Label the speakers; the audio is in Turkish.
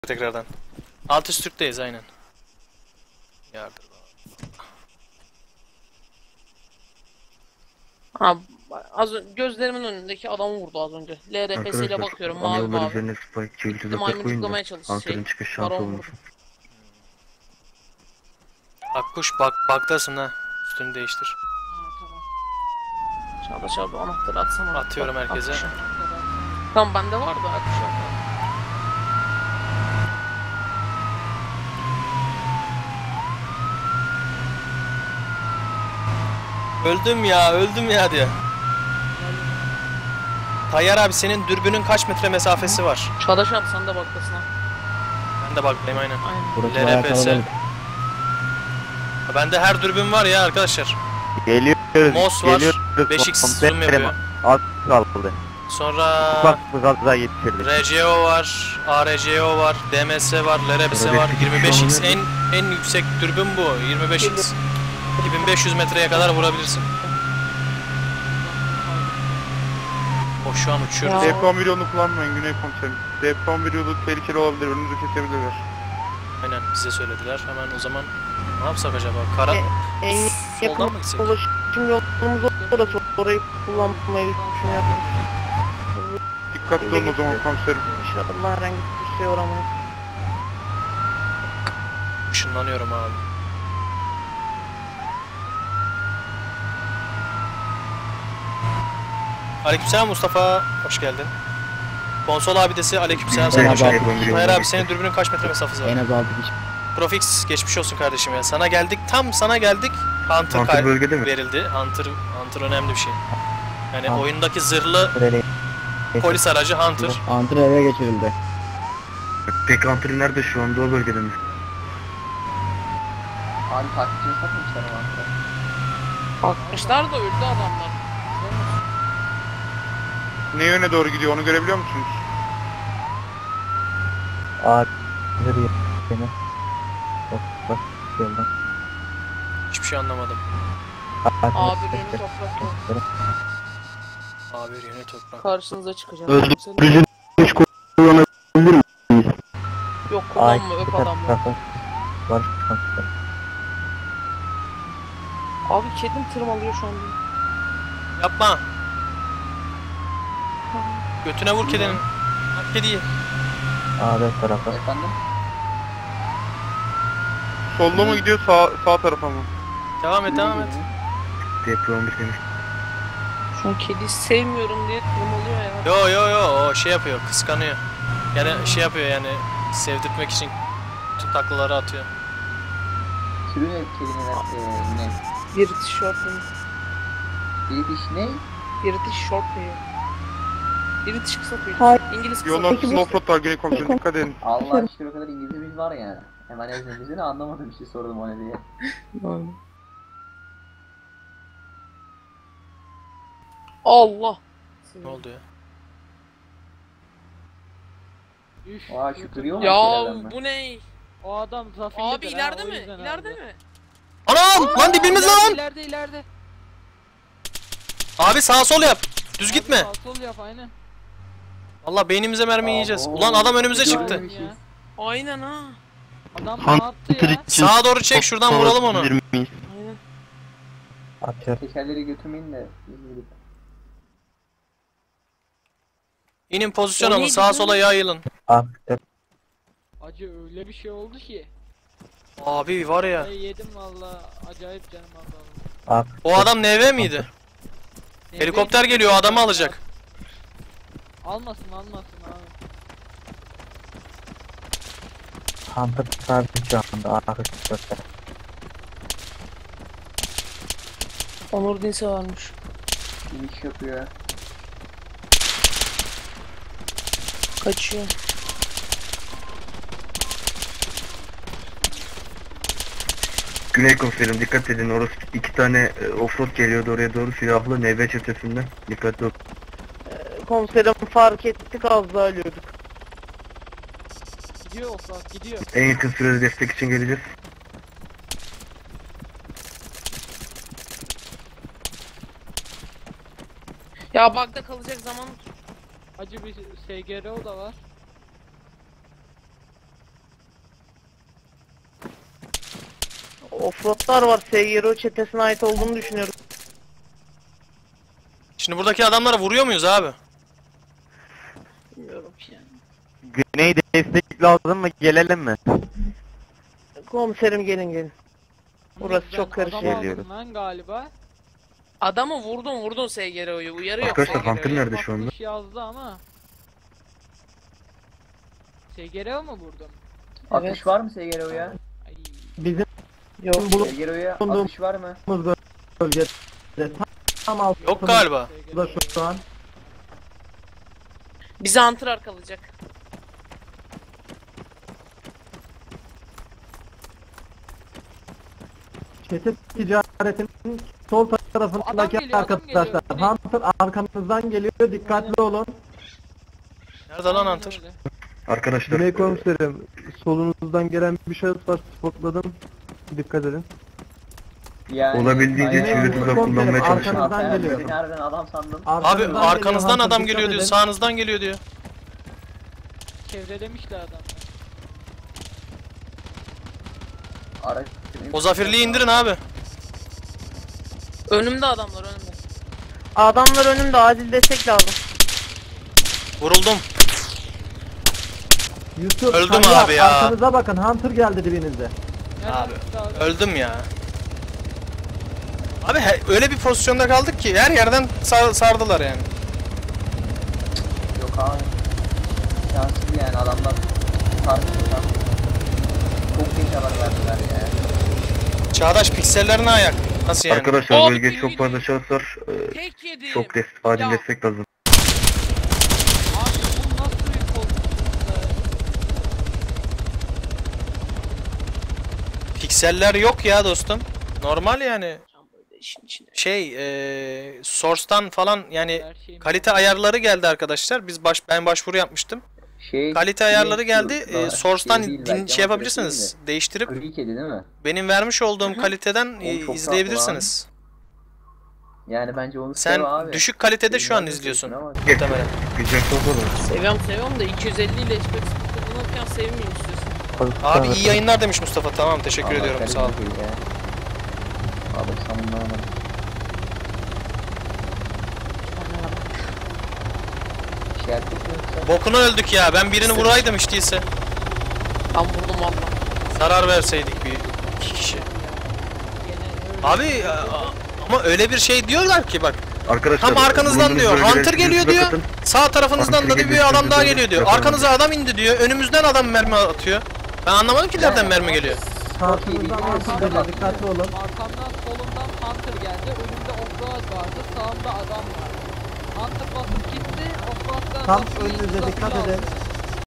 Speaker 1: tekrardan. Alt üst Türk'teyiz aynen. Yardım.
Speaker 2: Ha, gözlerimin önündeki adamı vurdu az önce. LRPS ile bakıyorum mavi
Speaker 3: yollar
Speaker 2: mavi.
Speaker 3: üzerine spike çekici zaten
Speaker 2: Maymun
Speaker 3: koyun da
Speaker 2: tıklamaya çalıştı
Speaker 3: Hunter'ın çıkış şansı
Speaker 2: Baron
Speaker 3: olmuş.
Speaker 2: vurdu.
Speaker 1: Akkuş baktasın ha. Üstünü değiştir.
Speaker 2: Ha, tamam. Çağdaş abi anahtarı atsana.
Speaker 1: Atıyorum herkese.
Speaker 2: Akuşa. Tamam bende var da akuşa.
Speaker 1: Öldüm ya diye. Tayyar abi senin dürbünün kaç metre mesafesi var?
Speaker 2: Çağdaş abi sen de baktasın ha.
Speaker 1: Ben de bakayım aynen.
Speaker 2: Aynen.
Speaker 1: LRPS. Bende her dürbün var ya arkadaşlar.
Speaker 3: Geliyoruz.
Speaker 1: Mos var. 5x zoom yapıyor.
Speaker 3: Az kaldı.
Speaker 1: Sonra
Speaker 3: Bak bu gazda yetişirdik.
Speaker 1: RCO var, ARCO var, DMS var, LRPS var. 25x en yüksek dürbün bu. 25x. 2500 metreye kadar vurabilirsin. O şu an uçuyoruz.
Speaker 2: Ya.
Speaker 4: DP11 yolunu kullanmayın Güney Komiserim. DP11 yolu tehlikeli olabilir, önünüzü kesebilirler.
Speaker 1: Aynen bize söylediler. Hemen o zaman ne yapsak acaba? Kara
Speaker 5: En
Speaker 1: soldan
Speaker 5: yakın
Speaker 1: mı gitsek?
Speaker 5: ulaşım yolumuz orası. Orayı kullanmayı düşünüyorum.
Speaker 4: Dikkatli olun o zaman komiserim.
Speaker 5: İnşallah herhangi bir şey uğramayız.
Speaker 1: Işınlanıyorum abi. Aleykümselam Mustafa, hoş geldin. Konsol abidesi aleykümselam sana hoş geldin. Hayır abi senin dürbünün kaç metre mesafesi var?
Speaker 6: En az 6 kişi.
Speaker 1: Profix geçmiş olsun kardeşim ya. Sana geldik, tam sana geldik.
Speaker 3: Hunter bölgede mi?
Speaker 1: Verildi. Hunter önemli bir şey. Yani
Speaker 6: Hunter.
Speaker 1: oyundaki zırhlı
Speaker 6: Böyle
Speaker 1: polis aracı Hunter.
Speaker 6: Antren eve geçirildi.
Speaker 3: Peki Hunter nerede şu anda, o bölgede mi?
Speaker 7: Abi takipçi satmışlar ama.
Speaker 2: Bakmışlar da öldü adamlar.
Speaker 4: Ne yöne doğru gidiyor onu görebiliyor musunuz?
Speaker 6: Ağır bir beni. Bak yoldan.
Speaker 1: Hiçbir şey anlamadım.
Speaker 2: Abi beni toprakla.
Speaker 1: Abi yeni toprak.
Speaker 2: Karşınıza çıkacağım.
Speaker 3: Öldürücü güç kullanabilir miyiz?
Speaker 2: Yok kullanma öp adamı.
Speaker 6: Var.
Speaker 2: Abi kedim tırmalıyor şu an beni.
Speaker 1: Yapma. Götüne vur kedinin. At kediyi.
Speaker 6: Ağır tarafa.
Speaker 7: Efendim?
Speaker 4: Solda mı gidiyor sağ tarafa mı?
Speaker 1: Devam et.
Speaker 3: DP11 demiş.
Speaker 2: Şu an kediyi sevmiyorum diye tırmalıyor ya.
Speaker 1: Yo o şey yapıyor, kıskanıyor. Yani şey yapıyor yani sevdirtmek için tüm taklaları atıyor.
Speaker 7: Türü ne kelimeler? Ne?
Speaker 2: British short hair.
Speaker 7: British ne?
Speaker 2: British short hair. British kısa tüy.
Speaker 5: Hayır.
Speaker 2: İngiliz kısa
Speaker 4: Yollar
Speaker 2: tüy.
Speaker 4: slowford var Güney Komiserim, dikkat edin.
Speaker 7: Allah aşkına o kadar İngilizcemiz var ya. Hemen ezberimizi anlamadım bir şey sordum ona diye.
Speaker 2: Allah.
Speaker 1: Ne oldu ya?
Speaker 7: Aa şu kırıyor mu?
Speaker 2: Ya
Speaker 7: şeylerden mi?
Speaker 2: bu ne?
Speaker 8: O adam zafiydi.
Speaker 2: Abi ileride mi? İleride mi?
Speaker 1: Anam! Lan dibimiz lan!
Speaker 8: İleride.
Speaker 1: Abi sağ sol yap. Düz gitme.
Speaker 8: Sağ sol yap aynen.
Speaker 1: Allah beynimize mermi yiyeceğiz.
Speaker 7: Abo.
Speaker 1: Ulan adam önümüze
Speaker 7: Güzel
Speaker 1: çıktı.
Speaker 7: bir şey.
Speaker 2: Aynen ha.
Speaker 8: Adam ne yaptı ya?
Speaker 1: Sağa doğru çek şuradan vuralım onu.
Speaker 2: Aynen.
Speaker 6: Atıyor.
Speaker 7: Tekerleri götürmeyin de.
Speaker 1: İnin pozisyon
Speaker 2: O
Speaker 1: alın
Speaker 2: neydi
Speaker 1: sağa
Speaker 2: lan?
Speaker 1: sola yayılın.
Speaker 6: Attı.
Speaker 8: Acı öyle bir şey oldu ki.
Speaker 1: Abi var ya.
Speaker 8: Ben yedim valla. Acayip canım azaldı.
Speaker 6: Attı.
Speaker 1: O adam NV miydi? Helikopter geliyor adamı alacak.
Speaker 8: Almasın abi.
Speaker 6: Hunter sabit şu anda. Ağır göster.
Speaker 2: Onur Dinse varmış.
Speaker 7: Bir iş yapıyor.
Speaker 2: Kaçıyor.
Speaker 3: Güney Komiserim dikkat edin, orası iki tane offroad geliyordu oraya doğru, silahlı NV çetesinden. Dikkatli ol.
Speaker 5: Komiserim fark ettik, az daha ölüyorduk.
Speaker 8: Gidiyor offroad gidiyor.
Speaker 3: En yakın sürede destek için geleceğiz.
Speaker 2: Ya bug'da kalacak zaman
Speaker 8: Acı bir SGRO da var.
Speaker 5: Offroadlar var. SGRO çetesine ait olduğunu düşünüyorum.
Speaker 1: Şimdi buradaki adamlara vuruyor muyuz abi?
Speaker 2: Bilmiyorum ki yani.
Speaker 9: Güney destek lazım mı? Gelelim mi?
Speaker 5: Komiserim gelin. Burası
Speaker 8: Ben
Speaker 5: çok karışık.
Speaker 8: adam aldım
Speaker 9: Geliyoruz.
Speaker 8: lan galiba.
Speaker 2: Adamı vurdun SGRO'yu. Uyarı yok
Speaker 3: Arkadaşlar
Speaker 2: SGRO'ya.
Speaker 3: Hunter nerede şu anda?
Speaker 8: Bakmış yazdı ama. SGRO mu vurdum?
Speaker 2: Evet.
Speaker 7: Atış var mı SGRO'ya?
Speaker 8: Ay.
Speaker 6: Bizim
Speaker 5: Yok.
Speaker 7: SGRO'ya atış var mı?
Speaker 6: bölgede tam altında
Speaker 1: Yok galiba.
Speaker 6: şu an.
Speaker 2: Bizi Hunter arkalayacak.
Speaker 6: Çete ticaretinin sol tarafındaki
Speaker 8: Adam geliyor,
Speaker 6: arkadaşlar.
Speaker 8: adam geliyor.
Speaker 6: Hunter arkanızdan geliyor, dikkatli olun.
Speaker 1: Nerede lan Hunter?
Speaker 8: Öyle.
Speaker 3: Arkadaşlar
Speaker 10: Güney komiserim, solunuzdan gelen bir şahıs var, spokladım. Dikkat edin.
Speaker 7: Yani
Speaker 3: olabildiğince
Speaker 7: Aynen.
Speaker 3: çevre tuzak kullanmaya çalışın.
Speaker 6: Arkanızdan geliyor.
Speaker 7: Beni nereden adam sandım.
Speaker 1: Abi arkanızdan
Speaker 6: Hunter,
Speaker 1: adam
Speaker 6: dikkat
Speaker 1: geliyor diyor,
Speaker 6: edin.
Speaker 1: sağınızdan geliyor diyor.
Speaker 8: Çevrelemişler adam.
Speaker 7: Araç.
Speaker 1: O zafirliği indirin abi.
Speaker 2: Önümde adamlar önümde.
Speaker 5: Adamlar önümde, acil destek lazım.
Speaker 1: Vuruldum.
Speaker 6: Yusuf,
Speaker 1: Öldüm
Speaker 6: Tayyar,
Speaker 1: abi ya.
Speaker 6: Arkanıza bakın, Hunter geldi dibinizde.
Speaker 8: Nereden
Speaker 1: Abi,
Speaker 8: çıktı abi?
Speaker 1: Öldüm ya. Abi öyle bir pozisyonda kaldık ki her yerden sardılar yani.
Speaker 7: Yok abi. Şanssız yani adamlar. Tartışıyorlar. Çok geç haber verdiler ya.
Speaker 1: Çağdaş piksellerine ayak. Nasıl yani?
Speaker 3: Arkadaşlar
Speaker 2: Abi,
Speaker 3: bölgede çok fazla şahıs var.
Speaker 2: Tek yedim.
Speaker 3: Acil
Speaker 2: Ya.
Speaker 3: destek lazım.
Speaker 8: Abi bu nasıl bir pozisyonda?
Speaker 1: Pikseller yok ya dostum. Normal yani.
Speaker 2: İşin içinde.
Speaker 1: Source'tan falan yani
Speaker 8: Her şeyim
Speaker 1: kalite ayarları geldi arkadaşlar. Ben başvuru yapmıştım. Kalite ayarları geldi. Source'tan şey yapabilirsiniz. Değiştirip
Speaker 7: Gri kedi değil mi?
Speaker 1: benim vermiş olduğum kaliteden
Speaker 7: Oğlum çok
Speaker 1: izleyebilirsiniz.
Speaker 7: Yani bence onu
Speaker 1: Sen
Speaker 7: sev abi.
Speaker 1: düşük kalitede şu an
Speaker 7: Bilmem
Speaker 1: izliyorsun.
Speaker 7: ama-
Speaker 1: Muhtemelen.
Speaker 3: Güzel soru da.
Speaker 2: Seviyorum da 250 ile Xbox kullanırken sevmeyeyim istiyorsun.
Speaker 1: Abi iyi yayınlar demiş Mustafa. Tamam teşekkür
Speaker 7: Allah
Speaker 1: ediyorum.
Speaker 7: kahretsin
Speaker 1: Sağ ol.
Speaker 7: değil ya. Abi sen bundan anladın. Şey yaptık mı yoksa?
Speaker 1: Bokuna öldük ya. Ben birini vuraydım hiç değilse.
Speaker 2: Ben vurdum valla.
Speaker 1: Zarar verseydik bir iki kişi. Abi ama öyle bir şey diyorlar ki bak.
Speaker 3: Arkadaşlar
Speaker 1: Tam arkanızdan
Speaker 3: bulunduğunuz
Speaker 1: diyor.
Speaker 3: bölgelere
Speaker 1: Hunter geliyor
Speaker 3: tuzak
Speaker 1: diyor.
Speaker 3: atın.
Speaker 1: Sağ tarafınızdan da
Speaker 3: Hunter
Speaker 1: bir adam daha
Speaker 3: geliyor,
Speaker 1: geliyor diyor.
Speaker 3: yapalım.
Speaker 1: Arkanıza adam indi diyor. Önümüzden adam mermi atıyor. Ben anlamadım ki nereden mermi geliyor.
Speaker 6: Arkanızdan Hunter geliyor, dikkatli olun.
Speaker 8: Arkamdan solumdan Hunter geldi. Önümde offroad vardı. Sağımda adam vardı. Hunter basıp gitti. Offroad'dan
Speaker 6: Tam
Speaker 8: basıp
Speaker 6: önünüze
Speaker 8: gitti,
Speaker 6: dikkat
Speaker 8: zafiri
Speaker 6: edin.
Speaker 8: aldı.